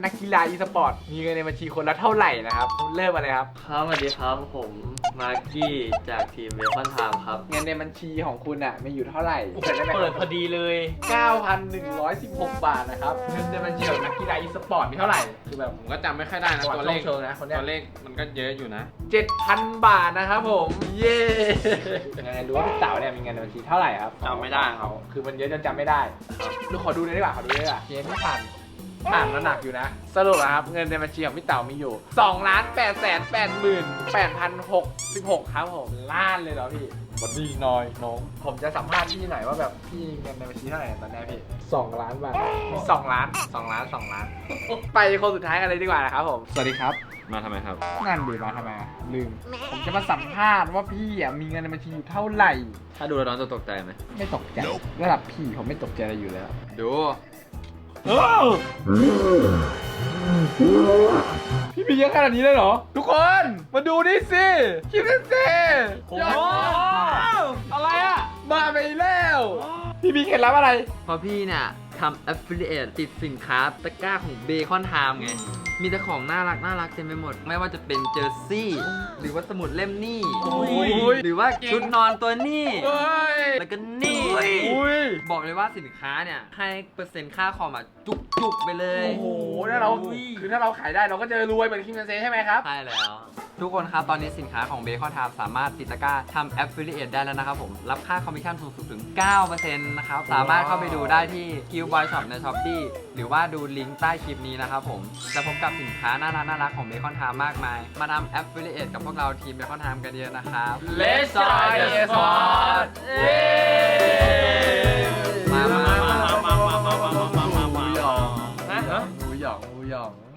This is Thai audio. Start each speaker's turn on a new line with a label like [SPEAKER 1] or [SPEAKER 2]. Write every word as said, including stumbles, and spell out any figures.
[SPEAKER 1] นักกีฬาอีสปอร์ตมีเงินในบัญชีคนละเท่าไหร่นะครับเริ่มมาเลยครับ
[SPEAKER 2] ครับสวัสดีครับผมมากกี้จากทีมเบคอนไทม์ครับ
[SPEAKER 1] เงินในบัญชีของคุณอ่ะมีอยู่เท่าไหร่
[SPEAKER 2] เปิดพอดีเลย
[SPEAKER 1] เก้าพันหนึ่งร้อยสิบหก บาทนะครับเงินในบัญชีของนักกีฬาอีสปอร์ตมีเท่าไหร่คือแบบ
[SPEAKER 3] ผมก็จำไม่ค่อยได้นะตัวเลข
[SPEAKER 1] โชว์นะคนเนี้ย
[SPEAKER 3] ตัวเลขมันก็เยอะอยู่นะ
[SPEAKER 1] เจ็ดพัน บาทนะครับผมเย้ยังไงรู้ว่าพี่เต๋าเนี่ยมีเงินในบัญชีเท่าไหร่ครับ
[SPEAKER 3] จำไม่ได้ครับ
[SPEAKER 1] คือมันเยอะจนจำไม่ได้ดูขอดูเลยดีกว่าขอดูเลยดีกว่าเกมที่ผ่านผ่านมาหนักอยู่นะสรุปนะครับเงินในบัญชีของพี่เต๋ามีอยู่สองล้านแปดแสนแปดหมื่นแปดพันหกสิบหกครับผมล้านเลยเหรอพี่บัดดี้น้อยน้องผมจะสัมภาษณ์พี่หน่อยว่าแบบพี่เงินในบัญชีเท่าไหร่ตอนนี้พี่สองล้านบาทสองล้านสองล้านสองล้านไปคนสุดท้ายกันเลยดีกว่านะครับผมสวัสดีครับ
[SPEAKER 3] มาทำไมครับ
[SPEAKER 1] งานดีมาทำไมอะลืมผมจะมาสัมภาษณ์ว่าพี่อ่ะมีเงินในบัญชีอยู่เท่าไหร่
[SPEAKER 2] ถ้าดูแล้วน้องจะตกใจไหม
[SPEAKER 1] ไม่ตกใจระดับพี่ผมไม่ตกใจอะไรอยู่แล้ว
[SPEAKER 2] ดู
[SPEAKER 1] พี่มีเยอะขนาดนี้เลยเหรอ ทุกคนมาดูนี่สิคิดกันสิยอดอะไรอ่ะมาไปแล้ว พี่มีเคล็ดลับอะไร
[SPEAKER 2] เพราะพี่เนี่ยทำ affiliate ติดสินค้าตะกร้าของเบคอนไทม์ไง มีแต่ของน่ารักน่ารักเต็มไปหมด ไม่ว่าจะเป็นเจอร์ซี่ หรือว่าสมุดเล่มนี่
[SPEAKER 1] โอ้ย
[SPEAKER 2] หรือว่าชุดนอนตัวนี่
[SPEAKER 1] เฮ้ย
[SPEAKER 2] แล้วก็นี่
[SPEAKER 1] อุ้ย
[SPEAKER 2] บอกเลยว่าสินค้าเนี่ยให้เปอร์เซ็นต์ค่าคอมอะจุกๆไปเลย
[SPEAKER 1] โอ้โหถ้าเราคือถ้าเราขายได้เราก็จะรวยเหมือนคิมเบนเซ่ใช่ไหมครับ
[SPEAKER 2] ใช่แล้ว ทุกคนครับ ตอนนี้สินค้าของเบคอนไทม์สามารถติดตะกร้าทำ affiliate ได้แล้วนะครับผม รับค่าคอมมิชชั่นสูงสุดถึง เก้าเปอร์เซ็นต์ นะครับ สามารถเข้าไปดูได้ที่ Q Boy Shop ใน Shopee หรือว่าดูลิงก์ใต้คลิปนี้นะครับผมจะพบกับสินค้าน่ารักน่ารักของเบคอนไทม์มากมาย มาทำ affiliate กับพวกเราทีมเบคอนไทม์กันเยอะนะครับ
[SPEAKER 1] Let's join the sport เย้
[SPEAKER 2] มามามามามามามามามา
[SPEAKER 1] หมูหยอง
[SPEAKER 2] ฮะ
[SPEAKER 1] หมูหยองหมูหยอง